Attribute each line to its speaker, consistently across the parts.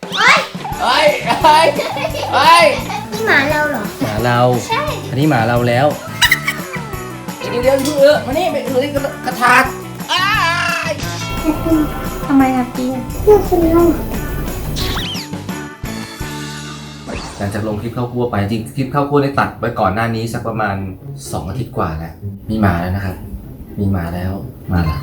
Speaker 1: เฮ้ยเฮ้ยเฮ้ยนี่หมาเราเหรอหมาเราใช่อันนี้หมาเราแล้วเดี๋ยวมานี่ไปเลยกระถาง
Speaker 2: ทำไมครับพี่
Speaker 1: เพื่อคุณเล่าหลังจากลงคลิปเข้าครัวไปจริงคลิปเข้าครัวได้ตัดไว้ก่อนหน้านี้สักประมาณ2 อาทิตย์กว่าแล้วมีหมาแล้วนะครับมีหมาแล้วมาละ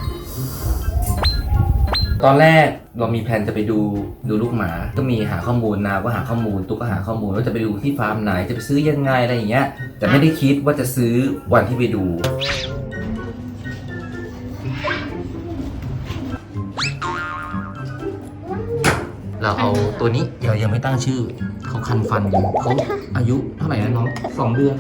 Speaker 1: ตอนแรกเรามีแผนจะไปดูลูกหมาก็มีหาข้อมูลนะว่าหาข้อมูลตุ๊กก็หาข้อมูลว่าจะไปดูที่ฟาร์มไหนจะไปซื้อยังไงอะไรอย่างเงี้ยแต่ไม่ได้คิดว่าจะซื้อวันที่ไปดูเราเอาตัวนี้เดี๋ยวยังไม่ตั้งชื่อเขาคันฟันอยู่เขาอายุเท่าไหร่นะน้อง2 เดือน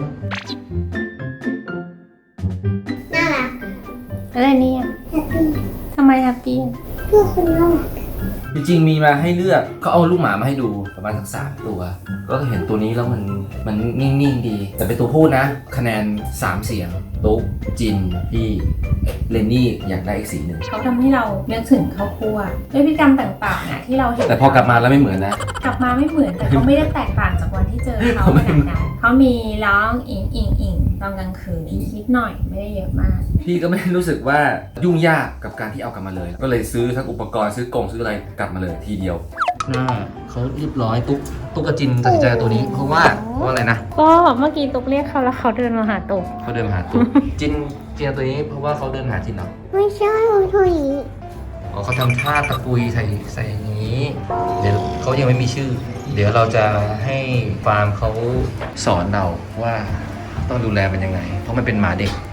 Speaker 1: น่ารัก
Speaker 2: อะไรเนี่ยทำไมแฮปปี้
Speaker 1: เพื่อคนน่ารักจริงๆมีมาให้เลือกเขาเอาลูกหมามาให้ดูประมาณสัก3 ตัวก็เห็นตัวนี้แล้วมันนิ่งๆดีแต่เป็นตัวพูดนะคะแนน3 เสียงตุ๊กจินพี่เลนนี่อยากได้อีกสีหนึ่ง
Speaker 2: เขาทำให้เรานึกถึงข้าวคั่วด้วยพฤติกรรมต่างๆนะที่เราเห็น
Speaker 1: แต่พอกลับมาแล้วไม่เหมือนนะ
Speaker 2: กลับมาไม่เหมือนแต่เขาไม่ได้แตกต่างจากวันที่เจอเขาขนาดนั้นเขามีร้องอิงตอนกลางคืนนิดหน่อยไม่ได้เยอะมาก
Speaker 1: พี่ก็ไม่รู้สึกว่ายุ่งยากกับการที่เอากลับมาเลยก็เลยซื้อทั้งอุปกรณ์ซื้อกล่องซื้ออะไรกลับมาเลยทีเดียวหน้าเขาเรียบร้อยตุ๊กกระจินตัดสินใจตัวนี้เพราะว่าอะไรนะ
Speaker 2: ก็เมื่อกี้ตุ๊กเรียกเขาแล้วเขาเดินมาหาตุ๊ก
Speaker 1: เขาเดินมาหาตุ๊กจินตัวนี้เพราะว่าเขาเดินหาจินเหรอ
Speaker 3: ไม่ใช่เขาทำอย่างนี้
Speaker 1: อ๋อเขาทำท่าตะกุยใส่อย่างนี้เดี๋ยวเขายังไม่มีชื่อเดี๋ยวเราจะให้ฟาร์มเขาสอนเราว่าต้องดูแลมันยังไงเพราะมันเป็นหมาเด็ก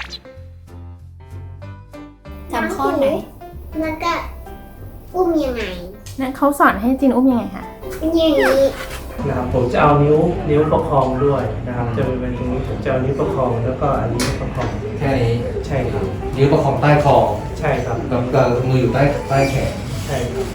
Speaker 2: จำข้อไหน
Speaker 3: แล้วก็อุ้มยังไง
Speaker 2: นั่นเขาสอนให้จินอุ้มยังไงคะ
Speaker 3: เป็นอย่างนี้
Speaker 4: นะครับผมจะเอานิ้วประคองด้วยนะครับจะเป็นตรงนี้ผมจะเอานิ้วประคองแล้วก็อันนี้ประคอง
Speaker 1: แค่นี้
Speaker 4: ใช่ครับ
Speaker 1: นิ้วประคองใต้คอ
Speaker 4: ใช่ครับ
Speaker 1: แล้วก็มืออยู่ใต้แขน
Speaker 4: ใช่ครับ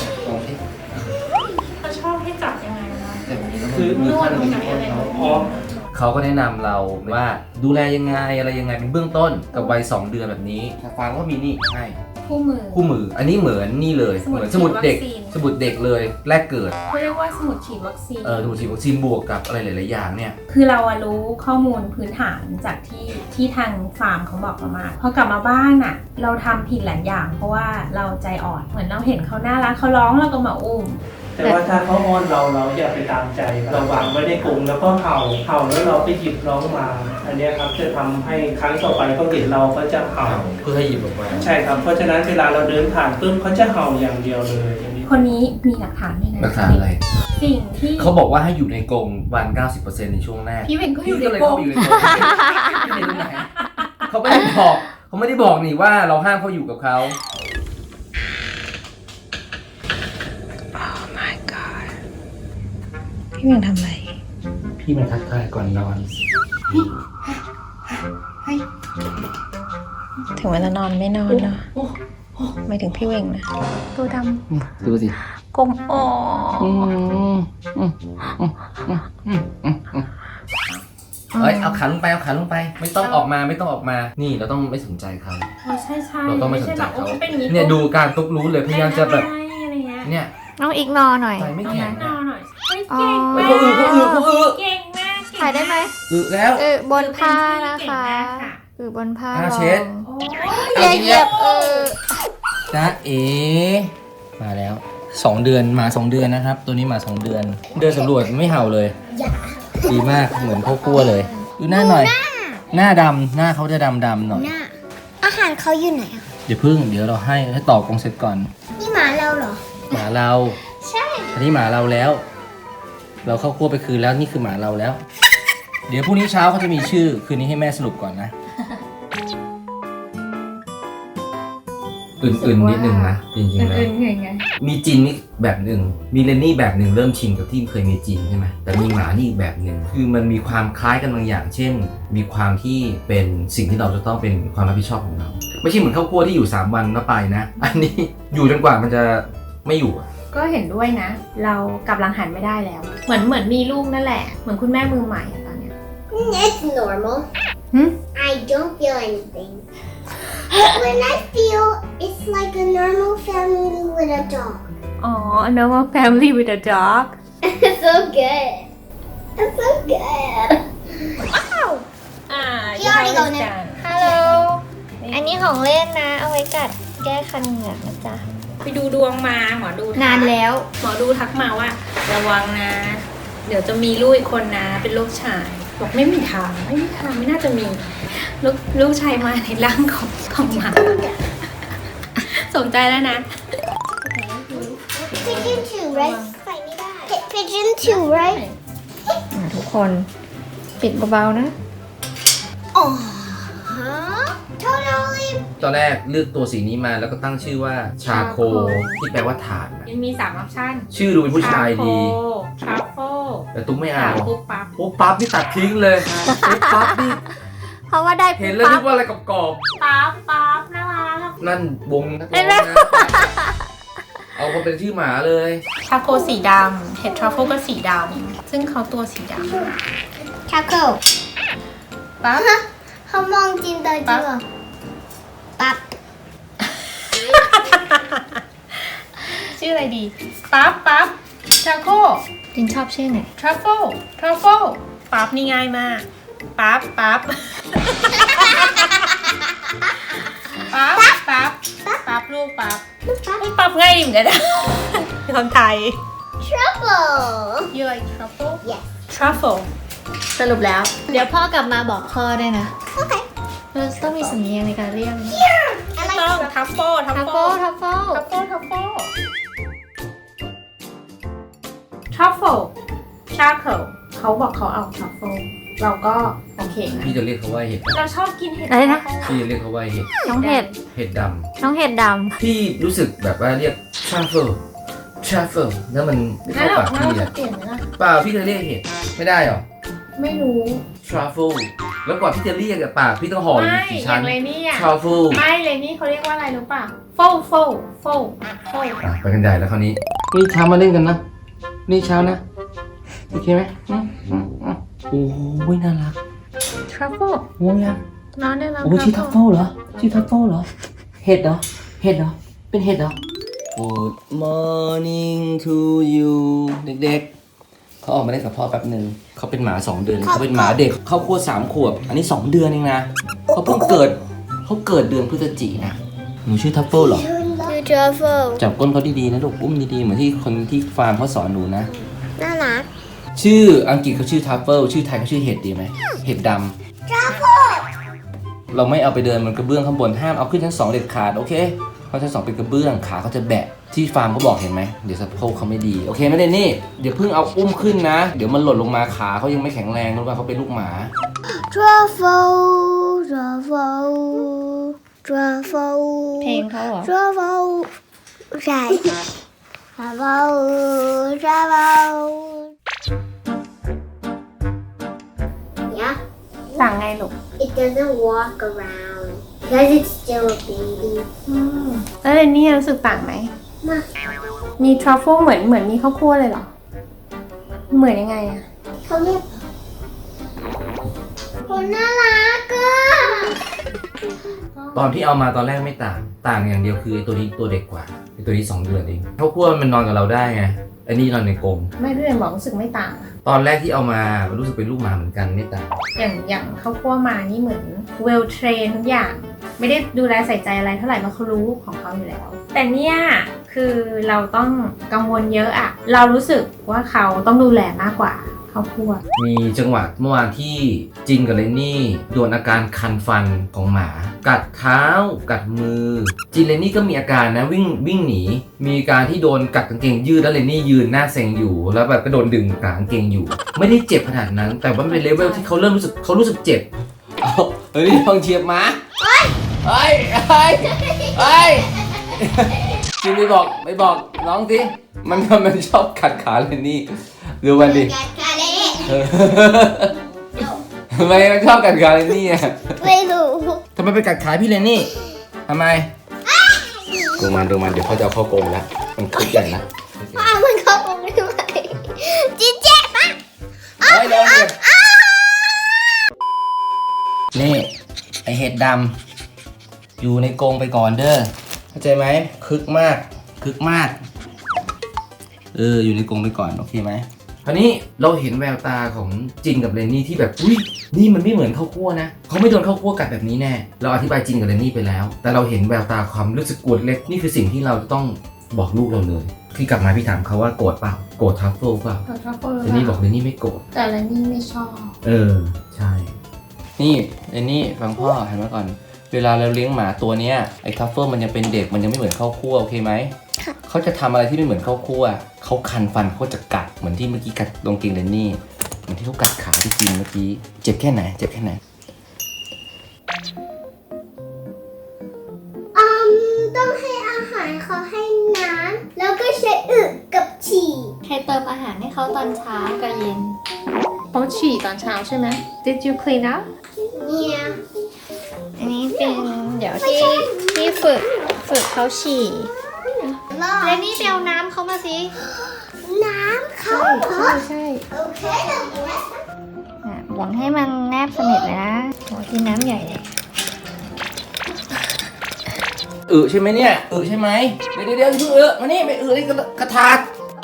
Speaker 2: เขาชอบให้จับยังไงนะ
Speaker 4: คือน
Speaker 2: วดตรงไหนอะไร
Speaker 1: เขาก็แนะนำเราว่าดูแลยังไงอะไรยังไงเป็นเบื้องต้นกับวัย2 เดือนแบบนี้ฟังก็มีนี่ให้
Speaker 2: คู่มือ
Speaker 1: อันนี้เหมือนนี่เลยเหมือนสมุดเด็กเลยแรกเกิด
Speaker 2: เขาเรียกว่าสมุดฉีดวัคซีน
Speaker 1: สมุดฉีดวัคซีนบวกกับอะไรหลายๆอย่างเนี่ย
Speaker 2: คือเรารู้ข้อมูลพื้นฐานจากที่ทางฟาร์มเขาบอกเรามาพอกลับมาบ้านน่ะเราทำผิดหลายอย่างเพราะว่าเราใจอ่อนเหมือนเราเห็นเขาน่ารักเขาร้องเราก็มาอุ้ม
Speaker 4: แต่ว่าถ้าเขาอ้อนเราอย่าไปตามใจเราวางไว้ในกรงแล้วก็เห่าแล้วเราไปหยิบร้องมาอันนี้ครับจะทำให้ครั้งต่อไปเขาเห็นเราก็จะเห่า
Speaker 1: เพื่อให้หยิบออกมา
Speaker 4: ใช่ครับเพราะฉะนั้นเวลาเราเดินผ่านปุ๊บเขาจะเห่าอย่างเดียวเลย
Speaker 2: คนนี้มีหลักฐานด้วยนะ
Speaker 1: หลักฐานอะไร
Speaker 2: สิ่งที่
Speaker 1: เขาบอกว่าให้อยู่ในกรงวัน 90% ในช่วงแรก
Speaker 2: พี่เวงก็อยู่ในกรง
Speaker 1: เขาไม่ได้บอกนี่ว่าเราห้ามเขาอยู่กับเขา
Speaker 2: พี่เวงทำอะไร
Speaker 1: พี่มันทักทายก่อนนอน
Speaker 2: ถึงเวลานอนไม่นอนเนาะไม่ถึงพี่เวงนะตัวด
Speaker 1: ำดูสิ
Speaker 2: กลมอ๋อ
Speaker 1: เอาขันลงไปไม่ต้องออกมานี่เราต้องไม่สนใจเขา
Speaker 2: ใช่
Speaker 1: เราต้องไม่สนใจเขาเนี่ยดูการตุ๊กรู้เลยพยายามจะแบบเนี่ย
Speaker 3: น้องอีกนอหน่อย
Speaker 1: ใจไม่แข็ง
Speaker 2: เก่งมาก
Speaker 3: ถ่ายได้ไหม
Speaker 1: แล้ว
Speaker 3: บนผ้านะคะบนผ้า
Speaker 1: เช็ด
Speaker 3: เหยียบ
Speaker 1: จ๊ะเอ๋มาแล้ว2 เดือนมา2 เดือนนะครับตัวนี้มา2 เดือนเดินสำรวจไม่เห่าเลยดีมากเหมือนข้าวคั่วเลยดูหน้าหน่อยหน้าดำหน้าเขาจะดำหน่อย
Speaker 3: อาหารเขาอยู่ไหน
Speaker 1: เดี๋ยวเราให้ต่อกรงเสร็จก่อน
Speaker 3: นี่หมาเราเหรอ
Speaker 1: หมาเรา
Speaker 3: ใช่
Speaker 1: อันนี้หมาเราแล้วเราเข้าคั่วไปคืนแล้วนี่คือหมาเราแล้วเดี๋ยวพรุ่งนี้เช้าเขาจะมีชื่อคืนนี้ให้แม่สรุปก่อนนะอื่นนิดนึงนะจริงๆแล้วมีจินนี่แบบหนึ่งมีเลนนี่แบบหนึ่งเริ่มชินกับที่เคยมีจินใช่ไหมแต่มีหมานี่อีกแบบหนึ่งคือมันมีความคล้ายกันบางอย่างเช่นมีความที่เป็นสิ่งที่เราจะต้องเป็นความรับผิดชอบของเราไม่ใช่เหมือนข้าวคั่วที่อยู่3 วันแล้วไปนะอันนี้อยู่จนกว่ามันจะไม่อยู่
Speaker 2: ก็เห็นด้วยนะเรากลับหลังหันไม่ได้แล้วเหมือนมีลูกนั่นแหละเหมือนคุณแม่มือใหม่ตอนเนี้ย
Speaker 3: It's normal I don't feel anything When I feel it's like a normal family with a dog
Speaker 2: อ๋อ a normal family with a dog
Speaker 3: It's so good. It's so good.
Speaker 2: อ่า
Speaker 3: พี่อ้อยก่อนนะ
Speaker 5: ฮัลโหล อันนี้ของเล่นนะ เอาไว้กัดแก้คันเหงือกนะจ๊ะ
Speaker 2: ไปดูดวงมาหมอดูทัก
Speaker 5: นานแล้ว
Speaker 2: หมอดูทักมาว่า ระวังนะ เดี๋ยวจะมีลูกอีกคนนะ เป็นลูกชายบอกไม่มีทางไม่น่าจะมีลูกชายมาในร่างของหมาสนใจแล้วนะ
Speaker 3: Pigeon too, right? ใส่ไม่ได้ Pigeon too, right?
Speaker 5: ทุกคนปิดเบาๆนะ
Speaker 3: Oh, huh? Totally.
Speaker 1: ตอนแรกเลือกตัวสีนี้มาแล้วก็ตั้งชื่อว่าชาโคที่แปลว่าถ่านนะ
Speaker 2: ยังมี3 ออปชั่น
Speaker 1: ชื่อดูเป็นผู้ชายดี
Speaker 2: ทรัฟเฟิล
Speaker 1: แต่ตุ้มไม่
Speaker 2: ถา
Speaker 1: เอา
Speaker 2: มปุ๊บปั๊บ
Speaker 1: ปุ๊บปั๊บนี่ตัดทิ้งเลยปุ๊บปั๊บนี่
Speaker 5: เพราะว่าได้
Speaker 1: เห็นแล้วนึกว่าอะไรกรอบ
Speaker 2: ปั๊บน่ารัก
Speaker 1: ๆนั่นวงนักร้องนะเอามาเป็นชื่อหมาเลย
Speaker 2: ทาโคสีดำเห็ดทรัฟเฟิลก็สีดำซึ่งเขาตัวสีด
Speaker 3: Taco.
Speaker 2: ำปั๊บ
Speaker 3: เขามองจินตนาการเหรอปั๊บ
Speaker 2: ชื่ออะไรดีปั๊บทาโค
Speaker 5: จินชอบชื่อไหน
Speaker 2: ทรัฟเฟิลปั๊บนี่ง่ายมากปั๊บปั๊บลูกปั๊บปั๊บง่ายดีเหมือนกันนะคนไทย
Speaker 3: Trouble.
Speaker 2: You like truffle
Speaker 3: Yes.
Speaker 2: truffle
Speaker 5: สรุปแล้ว เดี๋ยวพ่อกลับมาบอกพ่อได้วยนะ
Speaker 3: Okay.
Speaker 5: เราต้องมีสำเนียงในการเรียกนะ
Speaker 3: I like
Speaker 2: ต้อง
Speaker 3: truffle.
Speaker 2: ทัฟเฟิล
Speaker 5: ทัฟเฟิลทัฟเฟิล
Speaker 2: ทรัฟเฟิลชาเคิลเขาบอกเขาเอาทรัฟเฟิลเราก็โอเคนะ
Speaker 1: พี่จะเรียกเขาว่าเห็ด
Speaker 2: เราชอบกินเห็ด
Speaker 5: อะไรนะ
Speaker 1: พี่จะเรียกเขาว่าเห็ด
Speaker 5: น้องเห็ด
Speaker 1: เห็ดด
Speaker 5: น้องเห็ดด
Speaker 1: ำพี่รู้สึกแบบว่าเรียกทรัฟเฟิลแล้วมันไม่
Speaker 2: งั้
Speaker 1: เข้าน
Speaker 2: เรา
Speaker 1: ปาก
Speaker 2: เรา
Speaker 1: พี่
Speaker 2: จะ
Speaker 1: อะ
Speaker 2: เปลี่ยนไหมล่ะ
Speaker 1: เปล่าพี่จะเรียกเห็ดไม่ได้หรอ
Speaker 2: ไม่รู้
Speaker 1: ทรัฟเฟิลแล้วกว่าพี่จะเรียกกับปากพี่ต้องห่ออยู่
Speaker 2: ไม่
Speaker 1: กี่
Speaker 2: อ
Speaker 1: ชั้
Speaker 2: ย่าน งเลนี่อ่ะ
Speaker 1: ทรัฟเฟิล
Speaker 2: ไม่เลนี่เขาเรียกว่าอะไรรู้ป่ะโฟล
Speaker 1: ไปกันใหญ่แล้วคราวนี้นี่เช้ามาเล่นกันนะนี่เช้านะโอเคไหมโอ้ยน่ารัก
Speaker 2: ทรัฟเฟิล
Speaker 1: ง่วงยัง
Speaker 2: น้องได้รับ
Speaker 1: โอ้ชื่อทัฟเฟิลเหรอชื่อทัฟเฟิลเหรอเห็ดเหรอเห็ดเหรอเป็นเห็ดเหรอ Good morning to you เด็กๆเขาออกมาเล่นกับพ่อแป๊บหนึ่งเขาเป็นหมา2 เดือนเขาเป็นหมาเด็กเขาขวบ3 ขวบอันนี้ 2 เดือนเองนะเขาเพิ่งเกิดเขาเกิดเดือนพฤศจิกายนนะหนูชื่อทัฟเฟิลเหรอ
Speaker 3: ชื่อ truffle.
Speaker 1: จับก้นเขาดีๆนะลูกอุ้มดีๆเหมือนที่คนที่ฟาร์มเขาสอนหนูนะ
Speaker 3: น่ารัก
Speaker 1: ชื่ออังกฤษเขาชื่อทัฟเฟิลชื่อไทยเขาชื่อเห็ดดีไหมเห็ดดำ
Speaker 3: Truffle.
Speaker 1: เราไม่เอาไปเดินบนกระเบื้องข้างบนห้ามเอาขึ้นชั้น 2เด็ดขาดโอเคเพราะชั้น 2เป็นกระเบื้องขาเขาจะแบะที่ฟาร์มเขาบอกเห็นไหมเดี๋ยวสะโพกเขาไม่ดีโอเคไหมเดนนี่เดี๋ยวเพิ่งเอาอุ้มขึ้นนะ เดี๋ยวมันหล่นลงมาขาเขายังไม่แข็งแรงรู้ป่ะเขาเป็นลูกหมา
Speaker 3: Truffle.
Speaker 5: ำเพลงเขาเหรอ
Speaker 3: Truffle. ใช่ Truffle. Yeah.
Speaker 2: สั่งไงลูก
Speaker 3: It doesn't walk around because it's still a baby.
Speaker 2: แล้วเลนี่รู้สึกต่างไหม
Speaker 3: มา
Speaker 2: มีทรัฟเฟิลเหมือนมีข้าวคั่วเลยเหรอ เหมือนยังไงอะ
Speaker 3: เขาเรียกคนน่ารักอะ
Speaker 1: ตอนที่เอามาตอนแรกไม่ต่างอย่างเดียวคือไอ้ตัวนี้ตัวเด็กกว่าไอ้ตัวนี้2 เดือนเองเขากลัวมันนอนกับเราได้ไงไอ้นี่นอนในกรง
Speaker 2: ไม่พี่เรนบอกรู้สึกไม่ต่าง
Speaker 1: ตอนแรกที่เอามามันรู้สึกเป็นลูกหมาเหมือนกันไม่ต่าง
Speaker 2: อย่างข้าวคั่วมานี่เหมือนเวลเทรนทุกอย่าง ไม่ได้ดูแลใส่ใจอะไรเท่าไหร่เพราะเขารู้ของเขาอยู่แล้ว แต่เนี่ยคือเราต้องกังวลเยอะอะเรารู้สึกว่าเขาต้องดูแลมากกว่าข้าวคั่ว
Speaker 1: มีจังหวะเมื่อวานที่จินกับเลนนี่โดนอาการคันฟันของหมา กัดเท้ากัดมือจินเลนนี่ก็มีอาการนะวิ่งหนีมีการที่โดนกัดกางเกงยืดแล้วเลนนี่ยืนหน้าเซ็งอยู่แล้วแบบก็โดนดึงกางเกงอยู่ ไม่ได้เจ็บขนาดนั้น แต่ว่ามันเป็นเลเวลที่เขาเริ่มรู้สึกเจ็บเฮ้ยลองเชียบหมาเฮ้ยจินไม่บอกน้องสิมันชอบกัดขาเลนนี่ดูมันดิ
Speaker 3: กัดขาเลย
Speaker 1: ทำไมมันชอบกัดขาเลนนี่อ่ะ
Speaker 3: ไม่รู้
Speaker 1: ทำไมไปกัดขาพี่เลนนี่ทำไมดูมันเดี๋ยวเขาจะเอาเข้ากรงแล้วมันคึกใหญ่นะ
Speaker 3: อ้าวมันเข้าตรงนี้ไหมจีเจ็บปะ
Speaker 1: เฮ้ยโดนเจ็บนี่ไอเห็ดดำอยู่ในกรงไปก่อนเด้อเข้าใจไหมคึกมากอยู่ในกรงไปก่อนโอเคไหมคราวนี้เราเห็นแววตาของจินกับเรนนี่ที่แบบอุ้ยนี่มันไม่เหมือนข้าวคั่วนะเขาไม่โดนข้าวคั่วกัดแบบนี้แน่เราอธิบายจินกับเรนนี่ไปแล้วแต่เราเห็นแววตาความรู้สึกกลัวเล็กนี่คือสิ่งที่เราจะต้องบอกลูกเราเลยที่กลับมาพี่ถามเขาว่าโกรธเปล่าโกรธทัฟเฟิลเปล่า
Speaker 2: เขาชอบเปิด
Speaker 1: เรนนี่บอกเรนนี่ไม่โกรธ
Speaker 2: แต่เรนนี่ไม่ชอบ
Speaker 1: ใช่นี่เรนนี่ฟังพ่อเห็นไหมก่อนเวลาเราเลี้ยงหมาตัวเนี้ยไอ้ทัฟเฟิลมันยังเป็นเด็กมันยังไม่เหมือนข้าวคั่วโอเคไหมเขาจะทำอะไรที่ไม่เหมือนข้าวคั่วเขาคันฟันเขาจะกัดเหมือนที่เมื่อกี้กัดตรงเกงเรนนี่เหมือนที่เขากัดขาที่กินเมื่อกี้เจ็บแค่ไหน
Speaker 3: ต้องให้อาหารเขาให้น้ำแล้วก็ใช้อึกับฉี่
Speaker 5: ให้เติมอาหารให้เขาตอนเช้ากับเย็น
Speaker 2: เขาฉี่ตอนเช้าใช่ไหม Did you clean up
Speaker 3: เนี่ย
Speaker 5: อันนี้เป็นเดี๋ยวที่ฝึกเขาฉี่แล้วนี่ไปเอาน้ำเขามาสิ
Speaker 3: น้ำเขา
Speaker 2: ใช่
Speaker 3: โอเค
Speaker 5: หวังให้มันแนบสนิทเลยนะโหกินน้ำใหญ่เลย
Speaker 1: ใช่ไหมเนี่ยใช่ไหมเดี๋ยวมานี่ไปในกระถาง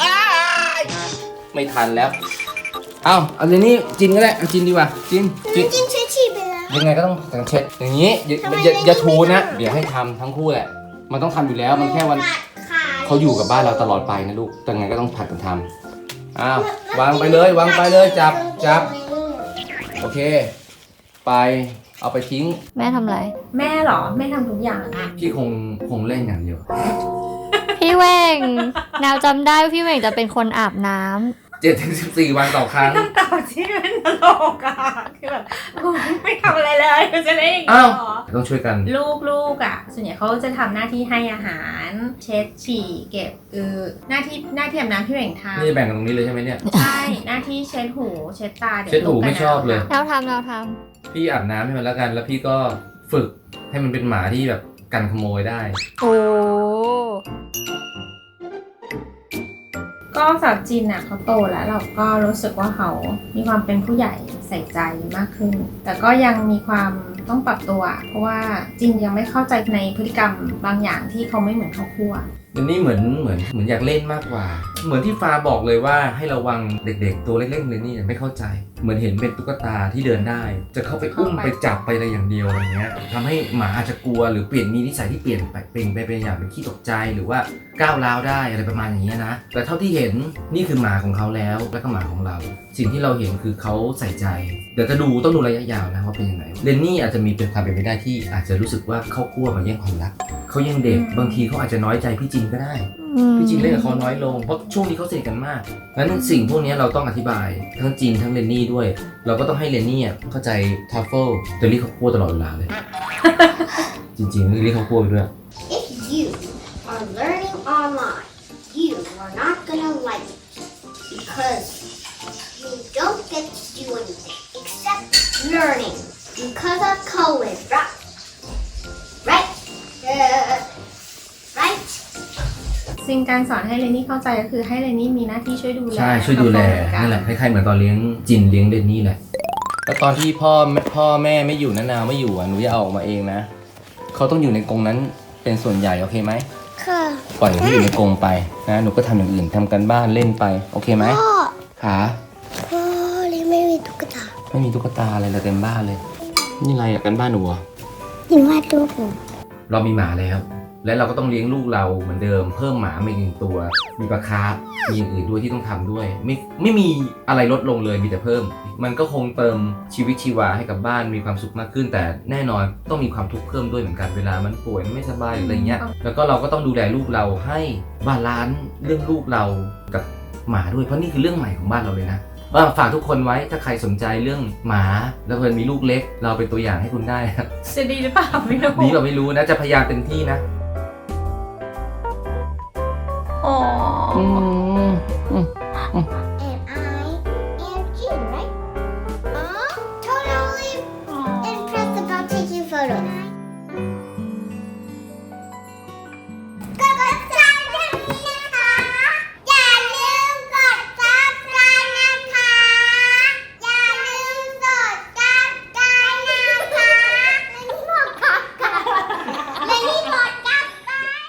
Speaker 1: ไม่ทันแล้วเอาเรนนี่จินก็ได้เอาจินดีกว่าจิน
Speaker 3: จิ้มใช้ฉี่ไปแล้ว
Speaker 1: ยังไงก็ต้องเช็ดอย่างนี้อย่าทูนะเดี๋ยวให้ทำทั้งคู่แหละมันต้องทำอยู่แล้วมันแค่วันเขาอยู่กับบ้านเราตลอดไปนะลูกแต่ไงก็ต้องผัดกันทำอ้าววางไปเลยจับโอเคไปเอาไปทิ้ง
Speaker 5: แม่ทำอะไร
Speaker 2: แม่เหรอแม่ทำทุกอย่างอะ
Speaker 1: พี่คงเล่นอย่างเดียว
Speaker 5: พี่เว่งแนวจำได้ว่าพี่เว่งจะเป็นคนอาบน้ำ
Speaker 1: 7-14 วันต่อครั้ง
Speaker 2: ต้องตอบที่มันตลกอะคือแบบกูไม่ทำอะไรเลยกูจะเล่นอย่างนี้
Speaker 1: อ้าว
Speaker 2: เหรอ
Speaker 1: ต้องช่วยกัน
Speaker 2: ลูกอ่ะส่วนใหญ่เขาจะทำหน้าที่ให้อาหารเช็ดฉี่เก็บหน้าที่อาบน้ำพี่เบ่งทำ
Speaker 1: นี่แบ่งกันตรงนี้เลยใช่ไหมเนี่ย
Speaker 2: ใช่หน้าที่เช็ดหูเช็ดตาเดี๋ยว
Speaker 1: เช็ดหู
Speaker 2: ลูกกับ
Speaker 1: ไม่ชอบเลย
Speaker 5: เราทำ
Speaker 1: พี่อาบน้ำให้มันแล้วกันแล้วพี่ก็ฝึกให้มันเป็นหมาที่แบบกันขโมยได้
Speaker 5: โอ้
Speaker 2: ก็สาวจินอ่ะเขาโตแล้วเราก็รู้สึกว่าเขามีความเป็นผู้ใหญ่ใส่ใจมากขึ้น แต่ก็ยังมีความต้องปรับตัว เพราะว่าจินยังไม่เข้าใจในพฤติกรรมบางอย่างที่เขาไม่เหมือนเขาคั่ว
Speaker 1: เดี๋ยวนี้เหมือนอยากเล่นมากกว่า เหมือนที่ฟ้าบอกเลยว่าให้ระวังเด็กๆตัวเล็กๆเลยนี่ไม่เข้าใจ เหมือนเห็นเป็นตุ๊กตาที่เดินได้ จะเข้าไปอุ้มไปจับไปอะไรอย่างเดียวอะไรเงี้ยทำให้หมาอาจจะกลัวหรือเปลี่ยนมีนิสัยที่เปลี่ยนไปเป็นอย่างเป็นขี้ตกใจหรือว่าก้าวร้าวได้อะไรประมาณอย่างเงี้ยนะแต่เท่าที่เห็นนี่คือหมาของเขาแล้วและก็หมาของเรา สิ่งที่เราเห็นคือเขาใส่ใจเดี๋ยวจะต้องดูระยะยาวนะว่าเป็นยังไงเรนนี่อาจจะมีเป็นความเป็นไปได้ที่อาจจะรู้สึกว่าเขาคั่วมาแย่งความรักเขายังเด็กบางทีเขาอาจจะน้อยใจพี่จินก็ได้ พี่จินเล่นกับเขาน้อยลงเพราะช่วงนี้เขาสนิทกันมากงั้นสิ่งพวกนี้เราต้องอธิบายทั้งจินทั้งเรนนี่ด้วย เราก็ต้องให้เรนนี่เข้าใจทัฟเฟิลจะเรียกเขาคั่วตลอดเวลาเลย จริงๆเรียกเขาคั่วไปด้วย
Speaker 3: If you are learning online, you are not gonna like it because you don't get to do anything except learning because of COVID, right? Right? Right?
Speaker 2: สิ่งการสอนให้เรนนี่เข้าใจก็คือให้เรนนี่มีหน้าที่ช่วยดูแล
Speaker 1: ใช่ช่วยดูแล
Speaker 2: เขา
Speaker 1: นั่นแหละคล้ายๆเหมือนตอนเลี้ยงจินเลี้ยงเรนนี่แหละแต่ตอนที่พ่อแม่ไม่อยู่นะนาวไม่อยู่หนูจะเอาออกมาเองนะเขาต้องอยู่ในกรงนั้นเป็นส่วนใหญ่โอเคไหม
Speaker 3: ค่ะ
Speaker 1: ปล่อยให้อยู่ในกรงไปนะหนูก็ทำอย่างอื่นทำกันบ้านเล่นไปโอเคไหม
Speaker 3: พ่อ
Speaker 1: ขา
Speaker 3: พ่อเลยไม่มีตุ๊กตา
Speaker 1: ไม่มีตุ๊กตาอะไรเลยเต็มบ้านเลยนี่อะไรกันบ้านหนูเหรอ
Speaker 3: หนูวาดรูปหนู
Speaker 1: เรามีหมาแล้ว และเราก็ต้องเลี้ยงลูกเราเหมือนเดิมเพิ่มหมามาอีกหนึ่งตัว มีปลาคาร์ฟมีอย่างอื่นด้วยที่ต้องทำด้วย ไม่มีอะไรลดลงเลยมีแต่เพิ่ม มันก็คงเติมชีวิตชีวาให้กับบ้านมีความสุขมากขึ้น แต่แน่นอนต้องมีความทุกข์เพิ่มด้วยเหมือนกันเวลามันป่วยมันไม่สบายหรืออะไรเงี้ยแล้วก็เราก็ต้องดูแลลูกเราให้บาลานซ์เรื่องลูกเรากับหมาด้วยเพราะนี่คือเรื่องใหม่ของบ้านเราเลยนะว่าฝากทุกคนไว้ถ้าใครสนใจเรื่องหมาแล้วเพื่อนมีลูกเล็ก เราเป็นตัวอย่างให้คุณได้นะ
Speaker 2: จะดีหรือเปล่าไม่รู้
Speaker 1: นี้เราไม่รู้นะจะพยายามเต็มที่นะ
Speaker 2: อ๋อ